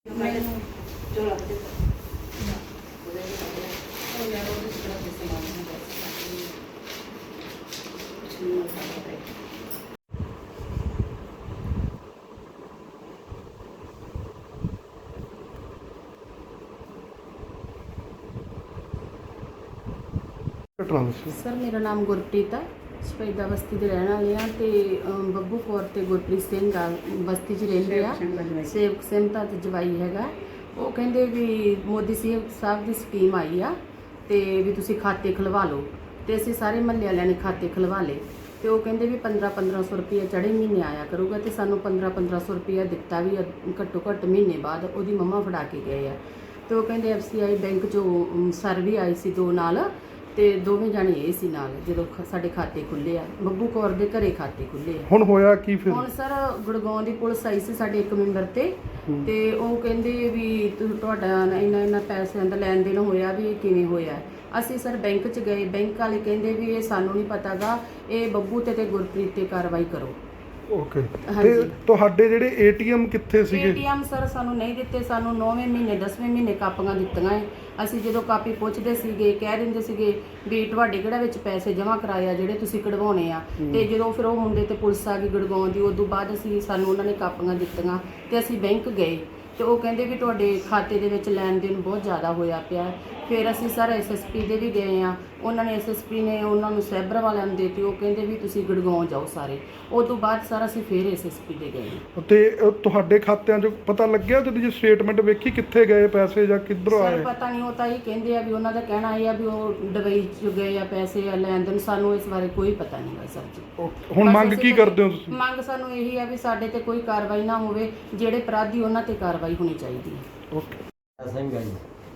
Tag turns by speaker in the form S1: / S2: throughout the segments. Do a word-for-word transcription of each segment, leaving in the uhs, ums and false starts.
S1: Sir मेरा नाम गुरप्रीत है, शहीदा बस्ती के रहने वाले हैं। तो बब्बू कौर ते गुरप्रीत सिंह आ बस्ती च रहिंदे आ। सेवक सिंह दा ते जवाई हैगा। वो कहंदे भी मोदी साहब की स्कीम आई आ ते भी तुसीं खाते खुलवा लो। तो असीं सारे महल्ले वालियां ने खाते खुलवा ले। तो वो कहंदे भी पंद्रह पंद्रह सौ रुपया चढ़े महीने आया करूगा। तो सानू पंद्रह पंद्रह सौ रुपया दिता भी घट्टो घट्ट महीने बाद उहदी मम्मा फड़ा के गए आ। तो वो कहंदे एफ सी आई बैंक चो सर भी आई सी दो नाल ਤੇ ਦੋਵੇਂ ਜਾਣੇ ਇਹ ਸੀ ਨਾਲ ਜਦੋਂ ਸਾਡੇ ਖਾਤੇ ਖੁੱਲੇ ਆ। ਬੱਬੂ ਕੌਰ ਦੇ ਘਰੇ ਖਾਤੇ ਖੁੱਲੇ ਆ।
S2: ਹੁਣ ਹੋਇਆ ਕੀ ਫਿਰ?
S1: ਹੁਣ ਸਰ ਗੁੜਗਾਉਂ ਦੀ ਪੁਲਿਸ ਆਈ ਸੀ ਸਾਡੇ ਇੱਕ ਮੈਂਬਰ ਤੇ ਤੇ ਉਹ ਕਹਿੰਦੇ ਵੀ ਤੁਹਾਡਾ ਇੰਨਾ ਇੰਨਾ ਪੈਸਿਆਂ ਦਾ ਲੈਣ ਦੇਣ ਹੋਇਆ ਵੀ ਇਹ ਕਿਵੇਂ ਹੋਇਆ। ਅਸੀਂ ਸਰ ਬੈਂਕ 'ਚ ਗਏ, ਬੈਂਕ ਵਾਲੇ ਕਹਿੰਦੇ ਵੀ ਇਹ ਸਾਨੂੰ ਨਹੀਂ ਪਤਾਗਾ, ਇਹ ਬੱਬੂ ਤੇ ਤੇ ਗੁਰਪ੍ਰੀਤ ਤੇ ਕਾਰਵਾਈ ਕਰੋ।
S2: ਓਕੇ, ਤੇ ਤੁਹਾਡੇ ਜਿਹੜੇ ਏਟੀਐਮ ਕਿੱਥੇ ਸੀਗੇ?
S1: ਏਟੀਐਮ ਸਰ ਸਾਨੂੰ ਨਹੀਂ ਦਿੱਤੇ। ਸਾਨੂੰ ਨੌਵੇਂ ਮਹੀਨੇ ਦਸਵੇਂ ਮਹੀਨੇ ਕਾਪੀਆਂ ਦਿੱਤੀਆਂ ਹੈ। ਅਸੀਂ ਜਦੋਂ ਕਾਪੀ ਪੁੱਛਦੇ ਸੀਗੇ ਕਹਿ ਦਿੰਦੇ ਸੀਗੇ ਵੀ ਤੁਹਾਡੇ ਕਿਹੜਾ ਵਿੱਚ ਪੈਸੇ ਜਮ੍ਹਾਂ ਕਰਾਏ ਆ ਜਿਹੜੇ ਤੁਸੀਂ ਕਢਵਾਉਣੇ ਆ। ਤੇ ਜਦੋਂ ਫਿਰ ਉਹ ਮੁੰਡੇ ਤੇ ਪੁਲਿਸ ਆ ਗਈ ਗੁੜਗਾਉਂ ਦੀ, ਉਦੋਂ ਬਾਅਦ ਅਸੀਂ ਸਾਨੂੰ ਉਹਨਾਂ ਨੇ ਕਾਪੀਆਂ ਦਿੱਤੀਆਂ ਤੇ ਅਸੀਂ ਬੈਂਕ ਗਏ ਤੇ ਉਹ ਕਹਿੰਦੇ ਵੀ ਤੁਹਾਡੇ ਖਾਤੇ ਦੇ ਵਿੱਚ ਲੈਣ ਦੇਣ ਬਹੁਤ ਜ਼ਿਆਦਾ ਹੋਇਆ ਪਿਆ। ਫਿਰ ਅਸੀਂ ਸਰ ਐਸ ਐਸ ਪੀ ਦੇ ਵੀ ਗਏ ਆ। ਉਹਨਾਂ ਨੇ ਐਸ ਐਸ ਪੀ ਨੇ ਉਹਨਾਂ ਨੂੰ ਸਾਈਬਰ ਵਾਲਿਆਂ ਨੂੰ ਦੇਤੀ। ਉਹ ਕਹਿੰਦੇ ਵੀ ਤੁਸੀਂ ਗੁੜਗਾਉਂ ਜਾਓ ਸਾਰੇ। ਉਹ ਤੋਂ ਬਾਅਦ ਸਰ ਅਸੀਂ ਫਿਰ ਐਸ ਐਸ ਪੀ ਦੇ ਗਏ।
S2: ਤੇ ਤੁਹਾਡੇ ਖਾਤਿਆਂ 'ਚ ਪਤਾ ਲੱਗਿਆ ਜਦੋਂ ਜੀ ਸਟੇਟਮੈਂਟ ਵੇਖੀ ਕਿੱਥੇ ਗਏ ਪੈਸੇ ਜਾਂ ਕਿੱਧਰੋਂ ਆਏ?
S1: ਸਰ ਪਤਾ ਨਹੀਂ, ਉਹ ਤਾਂ ਇਹ ਕਹਿੰਦੇ ਆ ਵੀ ਉਹਨਾਂ ਦਾ ਕਹਿਣਾ ਇਹ ਆ ਵੀ ਉਹ ਦੁਬਈ 'ਚ ਗਏ ਆ ਪੈਸੇ ਆ ਲੈਣ ਦੇਣ। ਸਾਨੂੰ ਇਸ ਬਾਰੇ ਕੋਈ ਪਤਾ ਨਹੀਂ ਗਾ ਸਰ ਜੀ।
S2: ਹੁਣ ਮੰਗ ਕੀ ਕਰਦੇ ਹੋ ਤੁਸੀਂ?
S1: ਮੰਗ ਸਾਨੂੰ ਇਹੀ ਆ ਵੀ ਸਾਡੇ ਤੇ ਕੋਈ ਕਾਰਵਾਈ ਨਾ ਹੋਵੇ, ਜਿਹੜੇ ਅਪਰਾਧੀ ਉਹਨਾਂ ਤੇ ਕਾਰਵਾਈ ਹੋਣੀ ਚਾਹੀਦੀ ਹੈ।
S2: ਓਕੇ
S3: ਸਿੰਘ ਹੈ ਜੀ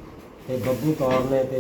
S3: ਤੇ ਬੱਬੂ ਕੌਰ ਨੇ ਤੇ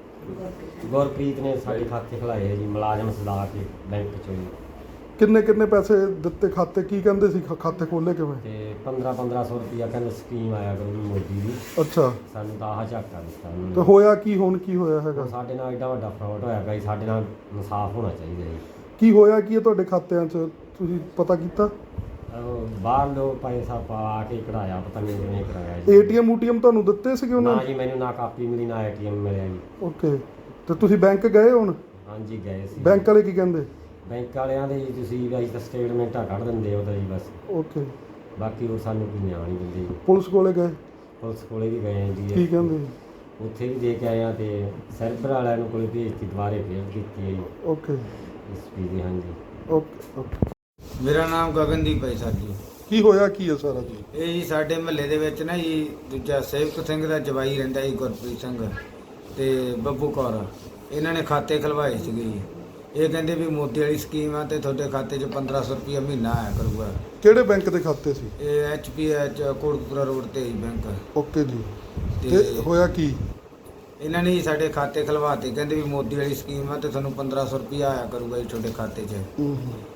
S3: ਗੁਰਪ੍ਰੀਤ ਨੇ ਸਾਡੇ ਖਾਤੇ ਖੁਲਾਏ ਹੈ ਜੀ ਮੁਲਾਜ਼ਮ ਸਦਾ ਕੇ ਬੈਂਕ ਚੋਂ ਜੀ।
S2: ਕਿੰਨੇ ਕਿੰਨੇ ਪੈਸੇ ਦਿੱਤੇ ਖਾਤੇ? ਕੀ ਕਹਿੰਦੇ ਸੀ ਖਾਤੇ ਖੋਲੇ ਕਿਵੇਂ?
S3: ਤੇ ਪੰਦਰਾਂ ਪੰਦਰਾਂ ਸੌ ਰੁਪਇਆ ਕਹਿੰਦੇ ਸਕੀਮ ਆਇਆ ਕਰੂਗੀ ਮੋਦੀ ਦੀ।
S2: ਅੱਛਾ,
S3: ਸਾਨੂੰ ਤਾਂ ਆਹ ਝਾਕਾ ਦਿੱਤਾ ਉਹਨੇ।
S2: ਤੇ ਹੋਇਆ ਕੀ? ਹੁਣ ਕੀ ਹੋਇਆ ਹੈਗਾ?
S3: ਸਾਡੇ ਨਾਲ ਐਡਾ ਵੱਡਾ ਫਰਾਡ ਹੋਇਆ ਗਾ ਜੀ, ਸਾਡੇ ਨਾਲ ਇਨਸਾਫ ਹੋਣਾ ਚਾਹੀਦਾ ਜੀ।
S2: ਕੀ ਹੋਇਆ ਕੀ ਹੈ ਤੁਹਾਡੇ ਖਾਤਿਆਂ 'ਚ? ਤੁਸੀਂ ਪਤਾ ਕੀਤਾ?
S3: ਉਹ ਬਾਹਰ ਲੋਕ ਪੈਸਾ ਪਾ ਕੇ ਕਢਾਇਆ, ਪਤਾ ਨਹੀਂ ਕਿਵੇਂ ਕਰਾਇਆ ਜੀ।
S2: ਏਟੀਐਮ ਊਟੀਐਮ ਤੁਹਾਨੂੰ ਦਿੱਤੇ ਸੀਗੇ ਉਹਨਾਂ
S3: ਨਾ
S2: ਨੇ?
S3: ਜੀ, ਮੈਨੂੰ ਨਾ ਕਾਪੀ ਮਿਲੀ ਨਾ ਏਟੀਐਮ ਮਿਲਿਆ ਜੀ।
S2: ਓਕੇ, ਤੇ ਤੁਸੀਂ ਬੈਂਕ ਗਏ ਹੁਣ?
S3: ਹਾਂਜੀ ਗਏ ਸੀ।
S2: ਬੈਂਕ ਵਾਲੇ ਕੀ ਕਹਿੰਦੇ?
S3: ਬੈਂਕ ਵਾਲਿਆਂ ਦੇ ਜੀ ਤੁਸੀਂ ਵੀ ਤਾਂ ਸਟੇਟਮੈਂਟਾਂ ਕੱਢ ਦਿੰਦੇ ਹੋ ਤਾਂ ਜੀ ਬਸ।
S2: ਓਕੇ,
S3: ਬਾਕੀ ਉਹ ਸਾਨੂੰ ਕੋਈ ਨਿਆਂ ਨਹੀਂ ਦਿੰਦੇ ਜੀ।
S2: ਪੁਲਿਸ ਕੋਲੇ ਗਏ?
S3: ਪੁਲਿਸ ਕੋਲੇ ਵੀ ਗਏ ਜੀ।
S2: ਕੀ ਕਹਿੰਦੇ?
S3: ਉੱਥੇ ਵੀ ਦੇ ਕੇ ਆਏ ਆ ਤੇ ਸਰਵਰ ਵਾਲਿਆਂ ਨੂੰ ਕੋਲ ਭੇਜਤੀ, ਦੁਬਾਰੇ ਫੇਰ ਕੀਤੀ ਹੈ ਜੀ।
S2: ਓਕੇ
S3: ਇਸ ਪੀ ਦੀ। ਹਾਂਜੀ
S2: ਓਕੇ ਓਕੇ।
S4: ਮੇਰਾ ਨਾਮ ਗਗਨਦੀਪ ਹੈ ਸਰ ਜੀ।
S2: ਕੀ ਹੋਇਆ ਕੀ ਹੈ ਸਾਰਾ ਜੀ?
S4: ਇਹ ਜੀ ਸਾਡੇ ਮਹੱਲੇ ਦੇ ਵਿੱਚ ਨਾ ਜੀ ਦੂਜਾ ਸੇਵਕ ਸਿੰਘ ਦਾ ਜਵਾਈ ਰਹਿੰਦਾ ਜੀ ਗੁਰਪ੍ਰੀਤ ਸਿੰਘ ਤੇ ਬੱਬੂ ਕੌਰ, ਇਹਨਾਂ ਨੇ ਖਾਤੇ ਖਲਵਾਏ ਸੀਗੇ ਜੀ। ਇਹ ਕਹਿੰਦੇ ਵੀ ਮੋਦੀ ਵਾਲੀ ਸਕੀਮ ਆ ਤੇ ਤੁਹਾਡੇ ਖਾਤੇ 'ਚ ਪੰਦਰਾਂ ਸੌ ਰੁਪਇਆ ਮਹੀਨਾ ਆਇਆ ਕਰੂਗਾ।
S2: ਕਿਹੜੇ ਬੈਂਕ ਦੇ ਖਾਤੇ ਸੀ?
S4: ਇਹ H P H Kotkapura road ਤੇ ਹੀ ਬੈਂਕ।
S2: ਓਕੇ ਜੀ,
S4: ਤੇ
S2: ਤੇ ਹੋਇਆ ਕੀ?
S4: ਇਹਨਾਂ ਨੇ ਜੀ ਸਾਡੇ ਖਾਤੇ ਖਲਵਾਤੇ, ਕਹਿੰਦੇ ਵੀ ਮੋਦੀ ਵਾਲੀ ਸਕੀਮ ਆ ਤੇ ਤੁਹਾਨੂੰ ਪੰਦਰਾਂ ਸੌ ਰੁਪਇਆ ਆਇਆ ਕਰੂਗਾ ਜੀ ਤੁਹਾਡੇ ਖਾਤੇ 'ਚ।
S2: ਹੂੰ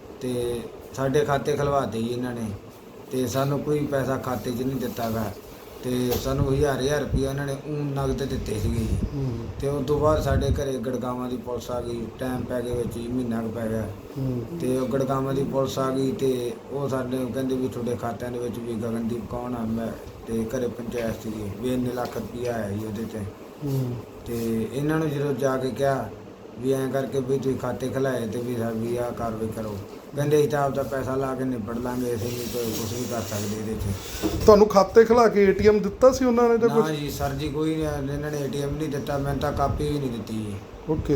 S4: ਤੇ ਸਾਡੇ ਖਾਤੇ ਖਲਵਾਤੇ ਜੀ ਇਹਨਾਂ ਨੇ ਤੇ ਸਾਨੂੰ ਕੋਈ ਪੈਸਾ ਖਾਤੇ 'ਚ ਨਹੀਂ ਦਿੱਤਾ ਗਾ। ਤੇ ਸਾਨੂੰ ਹਜ਼ਾਰ ਹਜ਼ਾਰ ਰੁਪਇਆ ਇਹਨਾਂ ਨੇ ਊਂ ਨਗਦ ਦਿੱਤੇ ਸੀਗੇ ਜੀ।
S2: ਹੂੰ
S4: ਤੇ ਉਸ ਤੋਂ ਬਾਅਦ ਸਾਡੇ ਘਰੇ ਗੜਗਾਵਾਂ ਦੀ ਪੁਲਿਸ ਆ ਗਈ। ਟਾਈਮ ਪੈ ਗਿਆ ਵਿੱਚ ਹੀ, ਮਹੀਨਾ ਕੁ ਪੈ ਗਿਆ।
S2: ਹੂੰ
S4: ਤੇ ਉਹ ਗੜਗਾਵਾਂ ਦੀ ਪੁਲਿਸ ਆ ਗਈ ਤੇ ਉਹ ਸਾਡੇ ਕਹਿੰਦੇ ਵੀ ਤੁਹਾਡੇ ਖਾਤਿਆਂ ਦੇ ਵਿੱਚ ਵੀ ਗਗਨਦੀਪ ਕੌਣ ਆ ਮੈਂ ਤੇ ਘਰੇ ਪੰਚਾਇਤ ਸੀਗੀ ਵੀ ਇੰਨੇ ਲੱਖ ਰੁਪਇਆ ਆਇਆ ਜੀ ਉਹਦੇ ਤੇ।
S2: ਹੂੰ
S4: ਤੇ ਇਹਨਾਂ ਨੂੰ ਜਦੋਂ ਜਾ ਕੇ ਕਿਹਾ ਵੀ ਐਂ ਕਰਕੇ ਵੀ ਤੁਸੀਂ ਖਾਤੇ ਖਲਾਏ ਤੇ ਵੀ ਵੀ ਆਹ ਕਾਰਵਾਈ ਕਰੋ, ਕਹਿੰਦੇ ਅਸੀਂ ਤਾਂ ਆਪਦਾ ਪੈਸਾ ਲਾ ਕੇ ਨਿਬੜ ਲਾਂਗੇ, ਅਸੀਂ ਨਹੀਂ ਕੋਈ ਕੁਛ ਵੀ ਕਰ ਸਕਦੇ ਇਹਦੇ 'ਚ।
S2: ਤੁਹਾਨੂੰ ਖਾਤੇ ਖਿਲਾ ਕੇ ਏਟੀਐਮ ਦਿੱਤਾ ਸੀ ਉਹਨਾਂ ਨੇ ਜਾਂ
S4: ਨਾ
S2: ਕੁਝ?
S4: ਜੀ ਸਰ ਜੀ, ਕੋਈ ਨਹੀਂ, ਇਹਨਾਂ ਨੇ ਏਟੀਐਮ ਨਹੀਂ ਦਿੱਤਾ, ਮੈਨੂੰ ਤਾਂ ਕਾਪੀ ਵੀ ਨਹੀਂ ਦਿੱਤੀ ਜੀ।
S2: ਓਕੇ,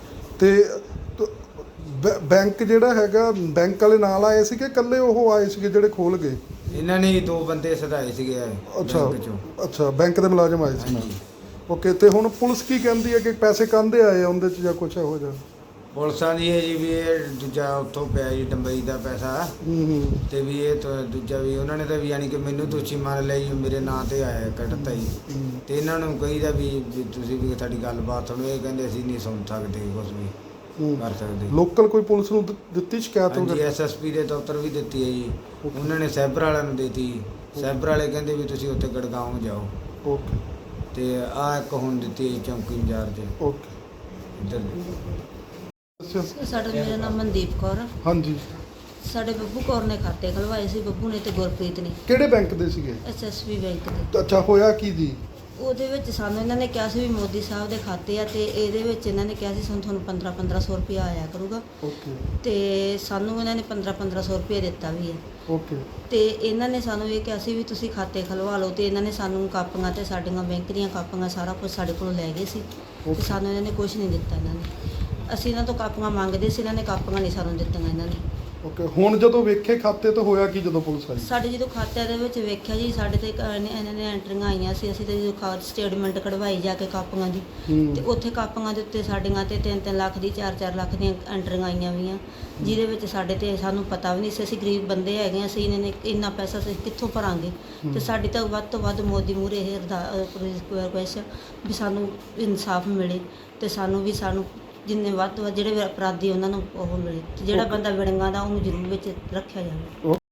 S2: ਤੇ ਤ- ਬੈ- ਬੈਂਕ ਜਿਹੜਾ ਹੈਗਾ ਬੈਂਕ ਵਾਲੇ ਨਾਲ ਆਏ ਸੀ ਕਿ ਇਕੱਲੇ ਉਹ ਆਏ ਸੀਗੇ ਜਿਹੜੇ ਖੋਲ ਗਏ?
S4: ਇਹਨਾਂ ਨੇ ਦੋ ਬੰਦੇ ਸਦਾਏ ਸੀਗੇ
S2: ਅੱਛਾ
S4: ਬੈਂਕ 'ਚੋਂ।
S2: ਅੱਛਾ, ਬੈਂਕ ਦੇ ਮੁਲਾਜ਼ਮ ਆਏ ਸੀ ਨਾਲ।
S4: ਹਾਂਜੀ।
S2: ਓਕੇ, ਤੇ ਹੁਣ ਪੁਲਿਸ ਕੀ ਕਹਿੰਦੀ ਹੈ ਕਿ ਪੈਸੇ ਕਾਹਦੇ ਆਏ ਆ ਉਹਦੇ 'ਚ ਜਾਂ ਕੁਛ ਇਹੋ ਜਿਹਾ?
S4: ਪੁਲਿਸਾਂ ਦੀ ਹੈ ਜੀ ਵੀ ਇਹ ਦੂਜਾ ਉੱਥੋਂ ਪਿਆ ਜੀ ਡੰਬਈ ਦਾ ਪੈਸਾ
S2: ਹੂੰ ਹੂੰ
S4: ਤੇ ਵੀ ਇਹ ਤਾਂ ਦੂਜਾ ਵੀ ਉਹਨਾਂ ਨੇ ਤਾਂ ਵੀ ਯਾਨੀ ਕਿ ਮੈਨੂੰ ਦੋਸ਼ੀ ਮੰਨ ਲਿਆ ਜੀ, ਮੇਰੇ ਨਾਂ ਤੇ ਆਇਆ ਕੱਟਤਾ ਜੀ।
S2: ਹੂੰ।
S4: ਤੇ ਇਹਨਾਂ ਨੂੰ ਕਹੀਦਾ ਵੀ ਵੀ ਤੁਸੀਂ ਵੀ ਸਾਡੀ ਗੱਲਬਾਤ ਸੁਣੋ। ਇਹ ਕਹਿੰਦੇ ਅਸੀਂ ਨਹੀਂ ਸੁਣ ਸਕਦੇ ਕੁਛ ਵੀ
S2: ਹੂੰ।
S4: ਕਰ ਸਕਦੇ।
S2: ਲੋਕਲ ਕੋਈ ਪੁਲਿਸ ਨੂੰ ਦਿ- ਦਿੱਤੀ ਸ਼ਿਕਾਇਤ
S4: ਹਾਂਜੀ,
S2: ਵਗੈਰਾ?
S4: ਐਸ ਐਸ ਪੀ ਦੇ ਦਫ਼ਤਰ ਵੀ ਦਿੱਤੀ ਹੈ ਜੀ। ਉਹਨਾਂ ਨੇ ਸਾਈਬਰ ਵਾਲਿਆਂ ਨੂੰ ਦਿੱਤੀ। ਸਾਈਬਰ ਵਾਲੇ ਕਹਿੰਦੇ ਵੀ ਤੁਸੀਂ ਉੱਥੇ ਗੜਗਾਉਂ ਜਾਓ।
S2: ਓਕੇ
S4: ਤੇ ਆਹ ਇੱਕ ਹੁਣ ਦਿੱਤੀ ਹੈ ਚੌਂਕੀ ਇੰਚਾਰਜ
S2: ਓਕੇ।
S4: ਇੱਧਰ।
S2: ਅੱਛਾ,
S5: ਸਾਡਾ ਮੇਰਾ ਨਾਮ ਮਨਦੀਪ ਕੌਰ ਆ।
S2: ਹਾਂਜੀ
S5: ਸਾਡੇ ਬੱਬੂ ਕੌਰ ਨੇ ਖਾਤੇ ਖਲਵਾਏ ਸੀ, ਬੱਬੂ ਨੇ ਤੇ ਗੁਰਪ੍ਰੀਤ ਨੇ
S2: ਕਿਹੜੇ ਬੈਂਕ ਦੇ ਸੀਗੇ?
S5: ਐਸਐਸਬੀ ਬੈਂਕ ਦੇ।
S2: ਤਾਂ ਅੱਛਾ, ਹੋਇਆ ਕੀ ਜੀ?
S5: ਉਹਦੇ ਵਿੱਚ ਸਾਨੂੰ ਇਹਨਾਂ ਨੇ ਕਿਹਾ ਸੀ ਵੀ ਮੋਦੀ ਸਾਹਿਬ ਦੇ ਖਾਤੇ ਆ, ਤੇ ਇਹਦੇ ਵਿੱਚ ਇਹਨਾਂ ਨੇ ਕਿਹਾ ਸੀ ਸਾਨੂੰ ਤੁਹਾਨੂੰ ਪੰਦਰਾਂ ਪੰਦਰਾਂ ਸੌ ਰੁਪਇਆ ਆਇਆ ਕਰੂਗਾ,
S2: ਓਕੇ
S5: ਤੇ ਸਾਨੂੰ ਇਹਨਾਂ ਨੇ ਪੰਦਰਾਂ ਪੰਦਰਾਂ ਸੌ ਰੁਪਇਆ ਦਿੱਤਾ ਵੀ ਹੈ।
S2: ਓਕੇ
S5: ਤੇ ਇਹਨਾਂ ਨੇ ਸਾਨੂੰ ਇਹ ਕਿਹਾ ਸੀ ਵੀ ਤੁਸੀਂ ਖਾਤੇ ਖਲਵਾ ਲਓ, ਤੇ ਇਹਨਾਂ ਨੇ ਸਾਨੂੰ ਕਾਪੀਆਂ ਤੇ ਸਾਡੀਆਂ ਬੈਂਕ ਦੀਆਂ ਕਾਪੀਆਂ ਸਾਰਾ ਕੁਝ ਸਾਡੇ ਕੋਲੋਂ ਲੈ ਗਏ ਸੀ, ਤੇ
S2: Okay.
S5: ਸਾਨੂੰ ਇਹਨਾਂ ਨੇ ਕੁਝ ਨਹੀਂ ਦਿੱਤਾ। ਇਹਨਾਂ ਨੇ ਅਸੀਂ ਇਹਨਾਂ ਤੋਂ ਕਾਪੀਆਂ ਮੰਗਦੇ ਸੀ, ਇਹਨਾਂ ਨੇ ਕਾਪੀਆਂ ਨਹੀਂ ਸਾਨੂੰ ਦਿੱਤੀਆਂ ਇਹਨਾਂ ਨੇ।
S2: ਓਕੇ ਹੁਣ ਜਦੋਂ ਵੇਖੇ ਖਾਤੇ ਤਾਂ ਹੋਇਆ ਕੀ ਜਦੋਂ ਪੁਲਿਸ ਆਈ?
S5: ਸਾਡੇ ਜਦੋਂ ਖਾਤਿਆਂ ਦੇ ਵਿੱਚ ਵੇਖਿਆ ਜੀ, ਸਾਡੇ ਤੇ ਇੱਕ ਇਹਨੇ- ਇਹਨਾਂ ਨੇ ਐਂਟਰੀਆਂ ਆਈਆਂ ਸੀ, ਅਸੀਂ ਤੇ ਜਦੋਂ ਖਾ ਸਟੇਟਮੈਂਟ ਕਢਵਾਈ ਜਾ ਕੇ ਕਾਪੀਆਂ ਦੀ,
S2: ਹੂੰ।
S5: ਤੇ ਉੱਥੇ ਕਾਪੀਆਂ ਦੇ ਉੱਤੇ ਸਾਡੀਆਂ ਤੇ ਤਿੰਨ ਤਿੰਨ ਲੱਖ ਦੀ ਚਾਰ ਚਾਰ ਲੱਖ ਦੀਆਂ ਐਂਟਰੀਆਂ ਆਈਆਂ ਵੀਆਂ, ਜਿਹਦੇ ਵਿੱਚ ਸਾਡੇ ਤੇ ਸਾਨੂੰ ਪਤਾ ਵੀ ਨਹੀਂ ਸੀ, ਅਸੀਂ ਗਰੀਬ ਬੰਦੇ ਹੈਗੇ ਹਾਂ, ਅਸੀਂ ਇਹਨਾਂ ਨੇ ਇੰਨਾ ਪੈਸਾ ਅਸੀਂ ਕਿੱਥੋਂ ਭਰਾਂਗੇ। ਤੇ ਸਾਡੀ ਤਾਂ ਵੱਧ ਤੋਂ ਵੱਧ ਮੋਦੀ ਮੂਹਰੇ ਇਹ ਰਿਕੁਐਸਟ ਵੀ ਸਾਨੂੰ ਇਨਸਾਫ ਮਿਲੇ, ਤੇ ਸਾਨੂੰ ਵੀ ਸਾਨੂੰ ਜਿੰਨੇ ਵੱਧ ਤੋਂ ਵੱਧ ਜਿਹੜੇ ਅਪਰਾਧੀ ਉਹਨਾਂ ਨੂੰ ਉਹ ਮਿਲੇ, ਤੇ ਜਿਹੜਾ
S2: Okay.
S5: ਬੰਦਾ ਵਿੜੰਗਾ ਦਾ ਉਹਨੂੰ ਜ਼ਰੂਰ ਵਿੱਚ ਰੱਖਿਆ ਜਾਵੇ।